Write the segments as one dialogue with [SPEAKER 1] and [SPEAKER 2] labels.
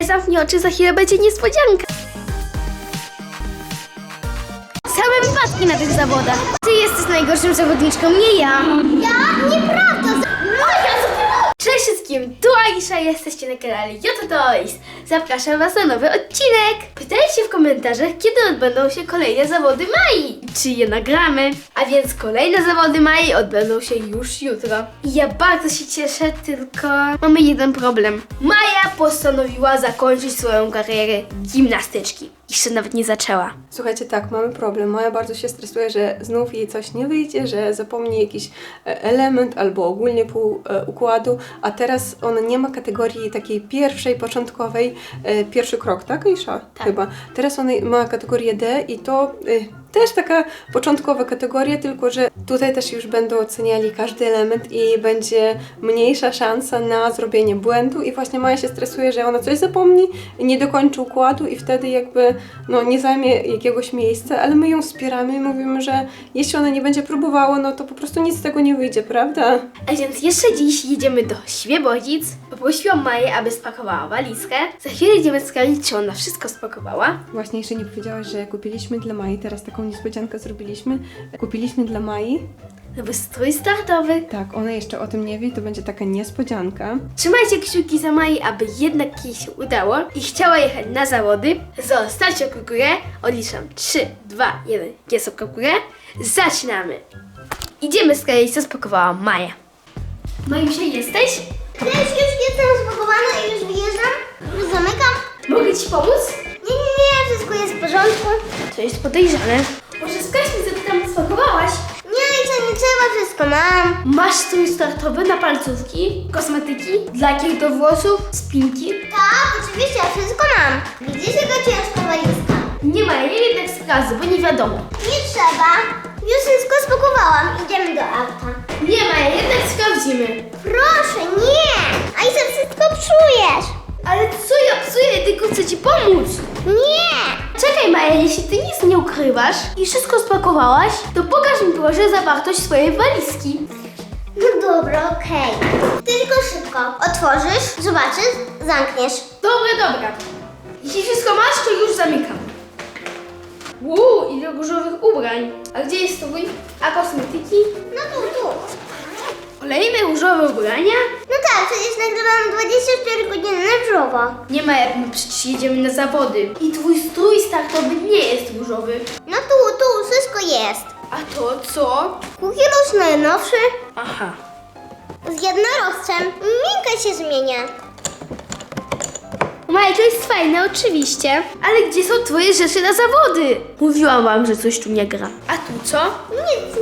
[SPEAKER 1] zamknij oczy, za chwilę będzie niespodzianka. Same wypadki na tych zawodach. Ty jesteś najgorszą zawodniczką, nie ja.
[SPEAKER 2] Ja? Nieprawda!
[SPEAKER 1] Cześć wszystkim, tu Aisha, jesteście na kanale Jota Toys. Zapraszam was na nowy odcinek. Pytajcie w komentarzach, kiedy odbędą się kolejne zawody Mai. Czy je nagramy? A więc kolejne zawody Mai odbędą się już jutro. I ja bardzo się cieszę, tylko mamy jeden problem. Maja postanowiła zakończyć swoją karierę gimnastyczki. Jeszcze nawet nie zaczęła.
[SPEAKER 3] Słuchajcie, tak, mamy problem. Maja bardzo się stresuje, że znów jej coś nie wyjdzie, że zapomni jakiś element albo ogólnie pół układu, a teraz ona nie ma kategorii takiej pierwszej, początkowej, pierwszy krok, tak Aisha?
[SPEAKER 1] Tak.
[SPEAKER 3] Chyba. Teraz ona ma kategorię D i to też taka początkowa kategoria, tylko że tutaj też już będą oceniali każdy element i będzie mniejsza szansa na zrobienie błędu i właśnie Maja się stresuje, że ona coś zapomni, nie dokończy układu i wtedy jakby nie zajmie jakiegoś miejsca, ale my ją wspieramy i mówimy, że jeśli ona nie będzie próbowała, no to po prostu nic z tego nie wyjdzie, prawda?
[SPEAKER 1] A więc jeszcze dziś jedziemy do Świebodzic. Poprosiłam Maję, aby spakowała walizkę. Za chwilę idziemy sprawdzić, czy ona wszystko spakowała.
[SPEAKER 3] Właśnie jeszcze nie powiedziałaś, że kupiliśmy dla Mai, teraz taką niespodziankę zrobiliśmy. Kupiliśmy dla Mai.
[SPEAKER 1] Nowy strój startowy.
[SPEAKER 3] Tak, ona jeszcze o tym nie wie, to będzie taka niespodzianka.
[SPEAKER 1] Trzymajcie kciuki za Mai, aby jednak jej się udało i chciała jechać na zawody. Zostawcie łapkę w górę. Odliczam 3, 2, 1. Jest łapka w górę. Zaczynamy. Idziemy sprawdzić, co spakowała Maja. Majusia, jesteś?
[SPEAKER 2] Cześć, już jestem spakowana i już wyjeżdżam. Już zamykam.
[SPEAKER 1] Mogę ci pomóc?
[SPEAKER 2] Nie, wszystko jest w porządku.
[SPEAKER 1] To jest podejrzane. Może sprawdź mi, co ty tam spakowałaś?
[SPEAKER 2] Nie trzeba, wszystko mam.
[SPEAKER 1] Masz strój startowy na palcówki, kosmetyki, lakier do włosów, spinki.
[SPEAKER 2] Tak, oczywiście, ja wszystko mam. Widzisz, jaka ciężka walizka?
[SPEAKER 1] Nie ma jej jednak sprawdzę, bo nie wiadomo.
[SPEAKER 2] Nie trzeba. Już wszystko spakowałam. Idziemy do auta.
[SPEAKER 1] Nie ma jej, jednak sprawdzimy.
[SPEAKER 2] Proszę, nie! A i wszystko psujesz.
[SPEAKER 1] Ale co ja psuję, tylko chcę ci pomóc.
[SPEAKER 2] Nie!
[SPEAKER 1] Czekaj Maja, jeśli ty nic nie ukrywasz i wszystko spakowałaś, to pokaż mi proszę zawartość swojej walizki.
[SPEAKER 2] No dobra, okej. Tylko szybko. Otworzysz, zobaczysz, zamkniesz.
[SPEAKER 1] Dobra. Jeśli wszystko masz, to już zamykam. Ile różowych ubrań. A gdzie jest strój? A kosmetyki?
[SPEAKER 2] No tu.
[SPEAKER 1] Kolejne różowe ubrania?
[SPEAKER 2] No tak, przecież nagrywam 24 godziny na żywo.
[SPEAKER 1] Nie ma jak my przecież jedziemy na zawody. I twój strój startowy nie jest różowy.
[SPEAKER 2] No tu, wszystko jest.
[SPEAKER 1] A to co?
[SPEAKER 2] Kukielus najnowszy,
[SPEAKER 1] Aha.
[SPEAKER 2] z jednorożcem. Minka się zmienia.
[SPEAKER 1] Maja, to jest fajne, oczywiście. Ale gdzie są twoje rzeczy na zawody? Mówiłam wam, że coś tu nie gra. A tu co?
[SPEAKER 2] Nic.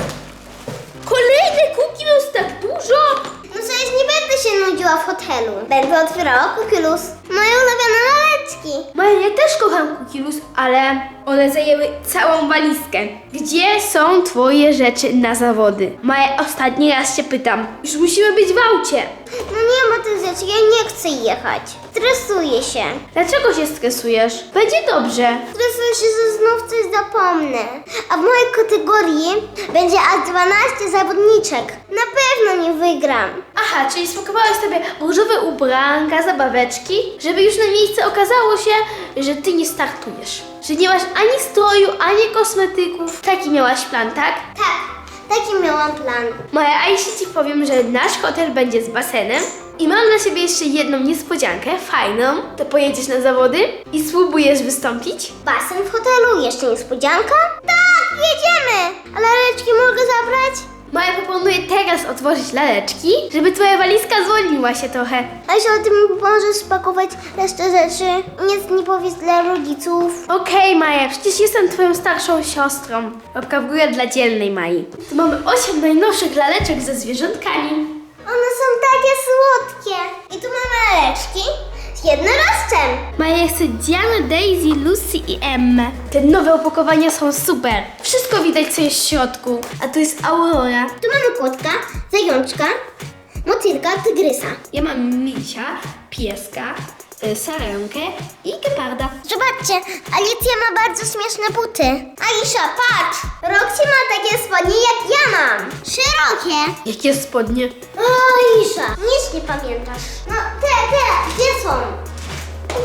[SPEAKER 1] Kolejny Kukielus, tak dużo?
[SPEAKER 2] No przecież nie będę się nudziła w hotelu. Będę otwierała Kukielus. Moje ulubione laleczki.
[SPEAKER 1] Maja, ja też kocham Kukielus, ale one zajęły całą walizkę. Gdzie są twoje rzeczy na zawody? Maja, ostatni raz cię pytam. Już musimy być w aucie.
[SPEAKER 2] No nie ma tych rzeczy, ja nie chcę jechać. Stresuję się.
[SPEAKER 1] Dlaczego się stresujesz? Będzie dobrze.
[SPEAKER 2] Stresuję się, że znów coś zapomnę. A w mojej kategorii będzie aż 12 zawodniczek. Na pewno nie wygram.
[SPEAKER 1] Aha, czyli spakowałaś sobie różowe ubranka, zabaweczki, żeby już na miejsce okazało się, że ty nie startujesz. Że nie masz ani stroju, ani kosmetyków. Taki miałaś plan, tak?
[SPEAKER 2] Tak, taki miałam plan.
[SPEAKER 1] Maja, a jeśli ci powiem, że nasz hotel będzie z basenem i mam dla ciebie jeszcze jedną niespodziankę, fajną, to pojedziesz na zawody i spróbujesz wystąpić?
[SPEAKER 2] Basen w hotelu, jeszcze niespodzianka? Tak, jedziemy! A laleczki mogę zabrać?
[SPEAKER 1] Maja proponuje teraz otworzyć laleczki, żeby twoja walizka zwolniła się trochę.
[SPEAKER 2] A jeśli ty mi pomożesz spakować resztę rzeczy? Nic nie powiedz dla rodziców.
[SPEAKER 1] Okej, Maja, przecież jestem twoją starszą siostrą. Łapka w górę dla dzielnej Mai. Tu mamy 8 najnowszych laleczek ze zwierzątkami.
[SPEAKER 2] One są takie słodkie. I tu mamy laleczki z jednorożcem.
[SPEAKER 1] Maja chce Diana, Daisy, Lucy i Emmę. Te nowe opakowania są super. Wszystko widać, co jest w środku. A tu jest Aurora.
[SPEAKER 2] Tu mamy kotka, zajączka, motylka, tygrysa.
[SPEAKER 1] Ja mam misia, pieska, sarenkę i geparda.
[SPEAKER 2] Zobaczcie, Alicja ma bardzo śmieszne buty. Aisha, patrz! Roxy ma takie spodnie jak ja mam. Szerokie.
[SPEAKER 1] Jakie spodnie?
[SPEAKER 2] O, Aisha, nic nie pamiętasz. No te, gdzie są?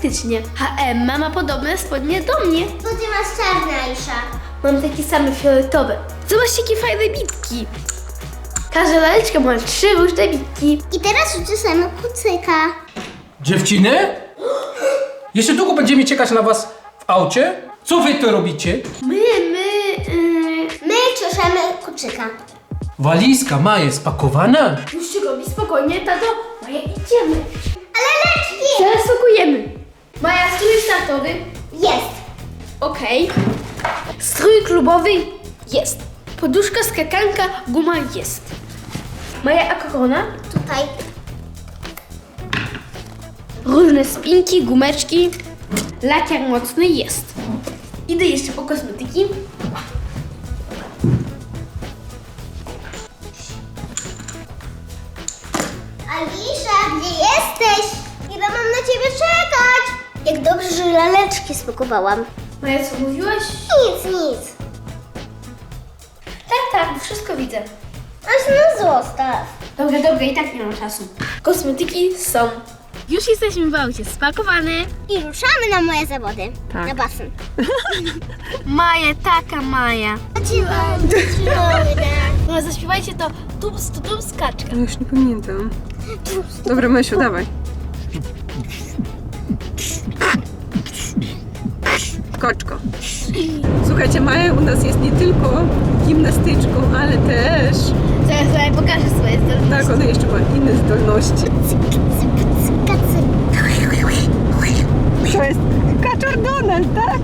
[SPEAKER 1] faktycznie. Emma ma podobne spodnie do mnie.
[SPEAKER 2] Bo ty masz czarne, Aisza.
[SPEAKER 1] Mam takie same fioletowe. Zobaczcie, jakie fajne bitki. Każda laleczka ma 3 różne bitki.
[SPEAKER 2] I teraz uczesamy kucyka.
[SPEAKER 4] Dziewczyny? Jeszcze długo będziemy czekać na was w aucie? Co wy tu robicie?
[SPEAKER 2] My czeszemy kucyka.
[SPEAKER 4] Walizka ma jest spakowana?
[SPEAKER 1] Już się robi spokojnie, tato. Maja, idziemy.
[SPEAKER 2] Ale leczki!
[SPEAKER 1] Teraz pakujemy. Maja, strój startowy.
[SPEAKER 2] Jest.
[SPEAKER 1] Okej. Strój klubowy jest. Poduszka, skakanka, guma jest. Maja, a korona?
[SPEAKER 2] Tutaj.
[SPEAKER 1] Różne spinki, gumeczki. Lakier mocny jest. Idę jeszcze po kosmetyki.
[SPEAKER 2] Alisza, gdzie jesteś? Ile mam na ciebie czekać? Jak dobrze, że laleczki spakowałam.
[SPEAKER 1] Maja, co mówiłaś?
[SPEAKER 2] Nic.
[SPEAKER 1] Tak, wszystko widzę.
[SPEAKER 2] Aż no zostaw.
[SPEAKER 1] Dobra, i tak nie mam czasu. Kosmetyki są. Już jesteśmy w aucie spakowane.
[SPEAKER 2] I ruszamy na moje zawody.
[SPEAKER 3] Tak.
[SPEAKER 2] Na basen.
[SPEAKER 1] Maja, taka Maja.
[SPEAKER 2] Dziewczyny.
[SPEAKER 1] No zaśpiewajcie to tups, kaczka.
[SPEAKER 3] No już nie pamiętam. Dobra, Mysiu, dawaj. Koczko. Słuchajcie, Maja u nas jest nie tylko gimnastyczką, ale też...
[SPEAKER 1] Zaraz Maja pokażę swoje zdolności.
[SPEAKER 3] Tak, ona jeszcze ma inne zdolności. To jest kaczor Donald, tak?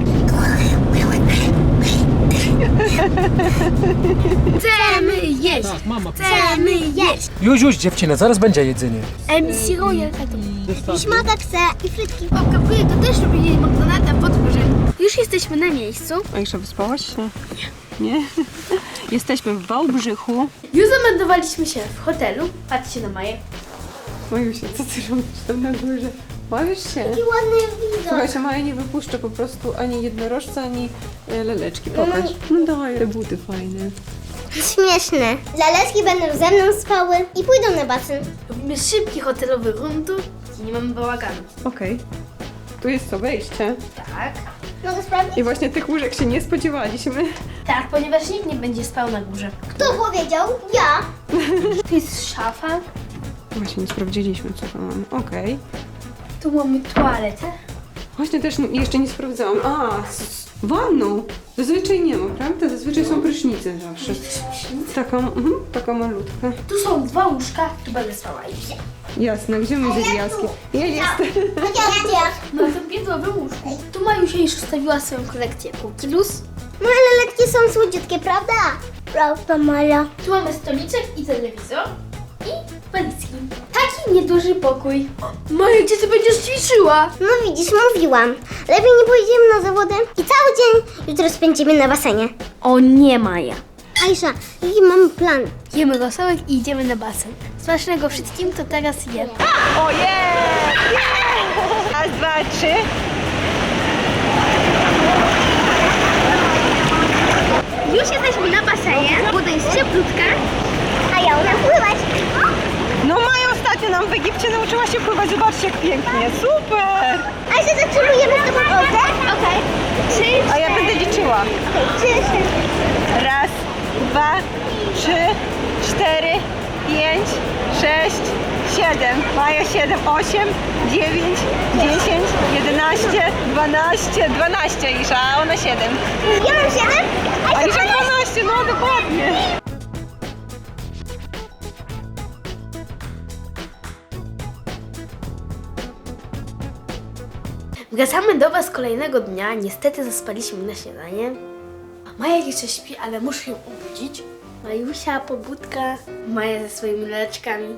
[SPEAKER 1] Chcemy jeść.
[SPEAKER 4] Tak, mama.
[SPEAKER 1] Chcemy jeść.
[SPEAKER 4] Już, dziewczyny, zaraz będzie jedzenie.
[SPEAKER 1] MC Royal, tato.
[SPEAKER 2] I śmaka chce, i frytki.
[SPEAKER 1] Babka Wuja to też lubi jeść McDonalda pod górze. Już jesteśmy na miejscu.
[SPEAKER 3] Aisza, wyspałaś się? Nie? Jesteśmy w Wałbrzychu.
[SPEAKER 1] Już zameldowaliśmy się w hotelu. Patrzcie na Maję.
[SPEAKER 3] Majusia, co ty robisz tam na górze? Bawisz się?
[SPEAKER 2] I ładny widok.
[SPEAKER 3] Słuchajcie, Maja nie wypuszcza po prostu ani jednorożca, ani leleczki. Pokaż. No daj, te buty fajne.
[SPEAKER 2] Śmieszne. Laleczki będą ze mną spały i pójdą na basen.
[SPEAKER 1] Robimy szybki hotelowy rundtur i nie mamy bałaganu.
[SPEAKER 3] Okej. Tu jest co, wejście.
[SPEAKER 1] Tak.
[SPEAKER 2] Mogę sprawdzić?
[SPEAKER 3] I właśnie tych łóżek się nie spodziewaliśmy.
[SPEAKER 1] Tak, ponieważ nikt nie będzie spał na górze.
[SPEAKER 2] Kto powiedział? Ja.
[SPEAKER 1] Tu jest szafa.
[SPEAKER 3] Właśnie nie sprawdziliśmy, co tam mamy. Okej.
[SPEAKER 1] Tu mamy toaletę.
[SPEAKER 3] Właśnie też jeszcze nie sprawdzałam. Wanną. Zazwyczaj nie ma, prawda? Zazwyczaj są prysznice zawsze. Taka malutka.
[SPEAKER 1] Tu są 2 łóżka, tu będę spała.
[SPEAKER 3] Jasne, gdzie my z Jaskiem? Ja jestem.
[SPEAKER 2] Ja.
[SPEAKER 1] Na tym piętrowym łóżku. Tu Majusia już ustawiła swoją kolekcję Cookie Loose.
[SPEAKER 2] Moje laleczki są słodziutkie, prawda? Prawda, Maja.
[SPEAKER 1] Tu mamy stoliczek i telewizor. I walizki. Taki nieduży pokój. Maja, gdzie ty będziesz ćwiczyła?
[SPEAKER 2] No widzisz, mówiłam. Lepiej nie pojedziemy na zawody i cały dzień jutro spędzimy na basenie.
[SPEAKER 1] O nie, Maja.
[SPEAKER 2] Aisza, jaki mamy plan?
[SPEAKER 1] Jemy rosołek i idziemy na basen. Smacznego wszystkim, to teraz jem.
[SPEAKER 3] Ojej! Raz, 2, 3.
[SPEAKER 1] Już jesteśmy na basenie. Woda jest cieplutka.
[SPEAKER 2] A ja umiem pływać.
[SPEAKER 3] No Maja ostatnio nam w Egipcie nauczyła się pływać. Zobaczcie, jak pięknie. Super!
[SPEAKER 2] Aisza, zaczynujemy z tobą wodę? Okej. 3,
[SPEAKER 3] A ja będę liczyła.
[SPEAKER 2] 3, 4.
[SPEAKER 3] Raz, 2, 3, 4, 5, 6, 7. Maja 7, 8, 9, 10, 11, 12 Isza, a ona 7.
[SPEAKER 2] Ja mam 7.
[SPEAKER 3] A Isza 12, no dokładnie.
[SPEAKER 1] Wracamy do Was kolejnego dnia. Niestety zaspaliśmy na śniadanie. Maja jeszcze śpi, ale muszę ją obudzić. Majusia, pobudka. Maja ze swoimi leczkami.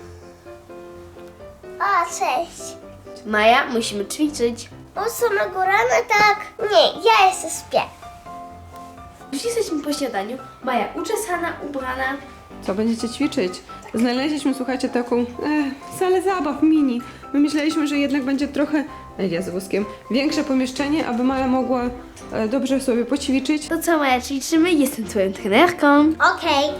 [SPEAKER 2] O, cześć.
[SPEAKER 1] Maja, musimy ćwiczyć.
[SPEAKER 2] O samego rana tak? Nie, ja jeszcze śpię.
[SPEAKER 1] Już jesteśmy po śniadaniu. Maja uczesana, ubrana.
[SPEAKER 3] Co będziecie ćwiczyć? Znaleźliśmy, słuchajcie, taką salę zabaw mini. My myśleliśmy, że jednak będzie trochę, ja z wózkiem, większe pomieszczenie, aby Maja mogła dobrze sobie poćwiczyć.
[SPEAKER 1] To co, Maja, ćwiczymy? Jestem twoją trenerką.
[SPEAKER 2] Okej.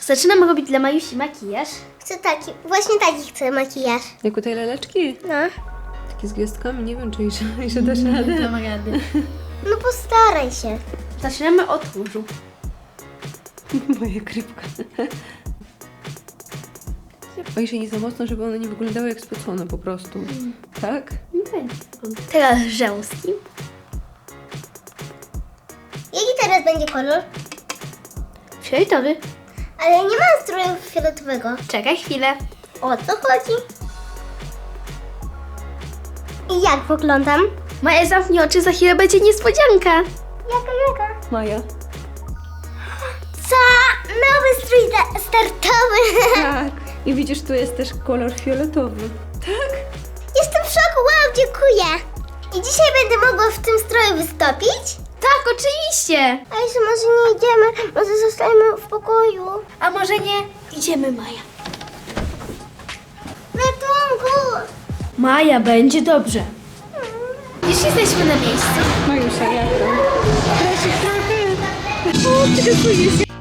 [SPEAKER 1] Zaczynam robić dla Majusi makijaż.
[SPEAKER 2] Chcę taki, właśnie taki chcę makijaż.
[SPEAKER 3] Jak u tej laleczki?
[SPEAKER 2] No.
[SPEAKER 3] Takie z gwiazdkami, nie wiem, czy jeszcze dasz radę.
[SPEAKER 1] Dam rady.
[SPEAKER 2] No postaraj się.
[SPEAKER 1] Zaczynamy od różu.
[SPEAKER 3] Moja krypka. O, jeszcze nie za mocno, żeby one nie wyglądały jak spocone po prostu. Tak?
[SPEAKER 1] Teraz rzęski.
[SPEAKER 2] Jaki teraz będzie kolor?
[SPEAKER 1] Fioletowy.
[SPEAKER 2] Ale nie mam stroju fioletowego.
[SPEAKER 1] Czekaj chwilę.
[SPEAKER 2] O co chodzi? I jak wyglądam?
[SPEAKER 1] Maja, zamknij oczy, za chwilę będzie niespodzianka.
[SPEAKER 2] Jaka?
[SPEAKER 3] Maja.
[SPEAKER 2] Co? Nowy strój startowy.
[SPEAKER 3] Tak. I widzisz, tu jest też kolor fioletowy. Tak?
[SPEAKER 2] Jestem w szoku, wow, dziękuję. I dzisiaj będę mogła w tym stroju wystąpić?
[SPEAKER 1] Tak, oczywiście.
[SPEAKER 2] A jeszcze może nie idziemy, może zostajemy w pokoju.
[SPEAKER 1] A może nie? Idziemy, Maja.
[SPEAKER 2] Ratunku!
[SPEAKER 1] Maja, będzie dobrze. Już jesteśmy na miejscu.
[SPEAKER 3] Majusia, jak tam? Stresik trochę. O, stresuje się.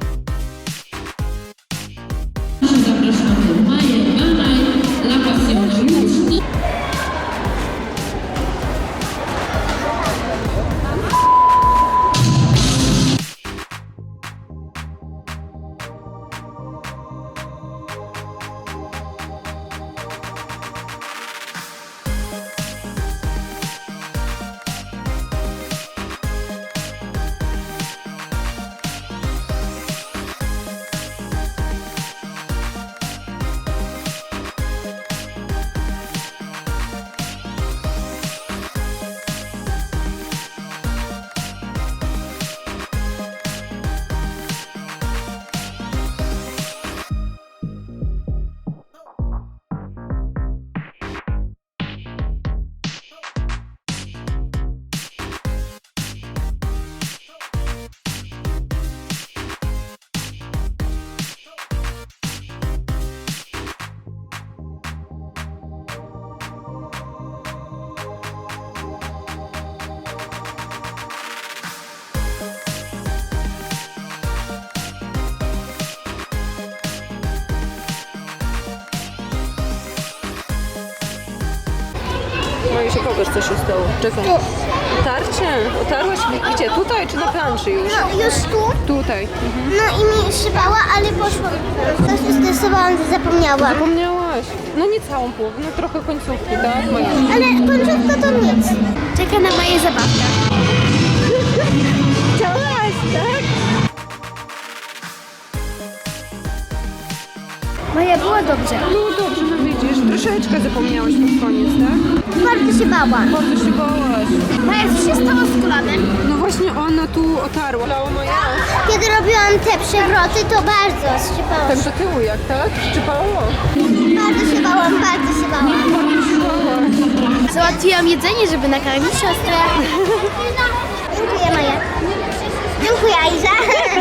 [SPEAKER 3] Majusia, pokaż, co się stało. Czekaj. Tarcie? Otarłaś mi? Gdzie? Tutaj czy na planszy już?
[SPEAKER 2] No już tu?
[SPEAKER 3] Tutaj.
[SPEAKER 2] No i mi szybała, ale poszłam. To się stresowałam, że zapomniałam.
[SPEAKER 3] Zapomniałaś. No nie całą połowę, no trochę końcówki, tak? Maja?
[SPEAKER 2] Ale końcówka to nic.
[SPEAKER 1] Czeka na Maję zabawka.
[SPEAKER 2] Chciałaś, tak?
[SPEAKER 1] Maja, było dobrze.
[SPEAKER 3] No dobrze, no widzisz, troszeczkę zapomniałaś pod koniec, tak?
[SPEAKER 2] Bardzo się bałam.
[SPEAKER 3] Bardzo się bałaś.
[SPEAKER 1] Maja, co się stało z kulanem?
[SPEAKER 3] No właśnie ona tu otarła. Lała Maja.
[SPEAKER 2] Kiedy robiłam te przewroty, to bardzo szczypało.
[SPEAKER 3] Tak do tyłu jak, tak? Szczypało?
[SPEAKER 2] Bardzo się bałam, bardzo się bałam.
[SPEAKER 1] Załatwiłam jedzenie, żeby nakarmić siostrę.
[SPEAKER 2] Dziękuję, Maja. Dziękuję, Aiza.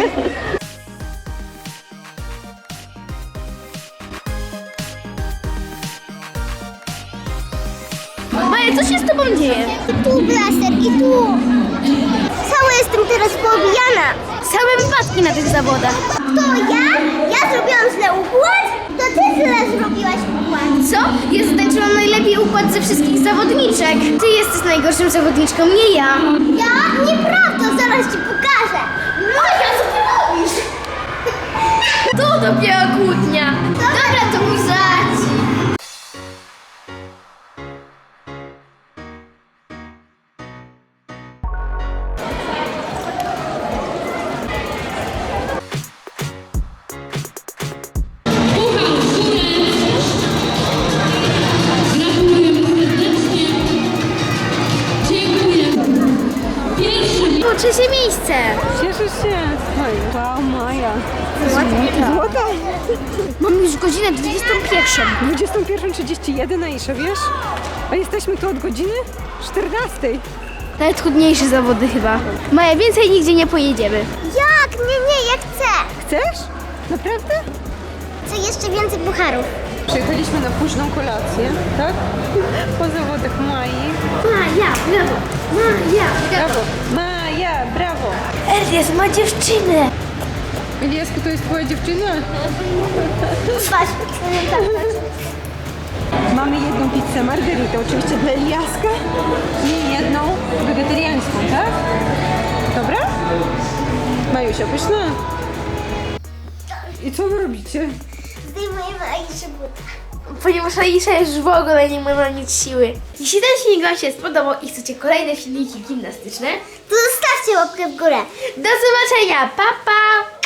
[SPEAKER 1] Maja, co się z tobą dzieje?
[SPEAKER 2] I tu blaster, i tu. Cała jestem teraz poobijana.
[SPEAKER 1] Same wypadki na tych zawodach.
[SPEAKER 2] To ja? Ja zrobiłam źle układ? To ty źle zrobiłaś układ.
[SPEAKER 1] Co? Ja zatańczyłam najlepiej układ ze wszystkich zawodniczek. Ty jesteś najgorszą zawodniczką, nie ja.
[SPEAKER 2] Ja? Nieprawda, zaraz ci pokażę. Maja, co ty robisz?
[SPEAKER 1] To dopiero kłótnia. Dobra, to mój żart. Było trzecie miejsce.
[SPEAKER 3] Cieszysz się? Maja. Wow, Maja. Złota.
[SPEAKER 1] Mam już godzinę 21.
[SPEAKER 3] 21:31, Aisza, wiesz? A jesteśmy tu od godziny 14.
[SPEAKER 1] Najtrudniejsze zawody chyba. Maja, więcej nigdzie nie pojedziemy.
[SPEAKER 2] Jak? Nie, ja chcę.
[SPEAKER 3] Chcesz? Naprawdę?
[SPEAKER 2] Chcę jeszcze więcej pucharów.
[SPEAKER 3] Przyjechaliśmy na późną kolację, tak? Po zawodach Mai.
[SPEAKER 1] Maja, brawo. Maja, brawo.
[SPEAKER 3] Brawo. Maja, brawo.
[SPEAKER 1] Elias ma dziewczynę.
[SPEAKER 3] Eliasku, to jest twoja dziewczyna?
[SPEAKER 2] Patrz,
[SPEAKER 3] Mamy jedną pizzę margaritę, oczywiście dla Eliaska i jedną wegetariańską, tak? Dobra? Majusia, pyszna? I co wy robicie?
[SPEAKER 2] zdejmujemy Aiszy buta.
[SPEAKER 1] Ponieważ Aisza już w ogóle nie ma na nic siły. Jeśli ten filmik Wam się spodobał i chcecie kolejne filmiki gimnastyczne,
[SPEAKER 2] To zostawcie łapkę w górę.
[SPEAKER 1] do zobaczenia, pa pa!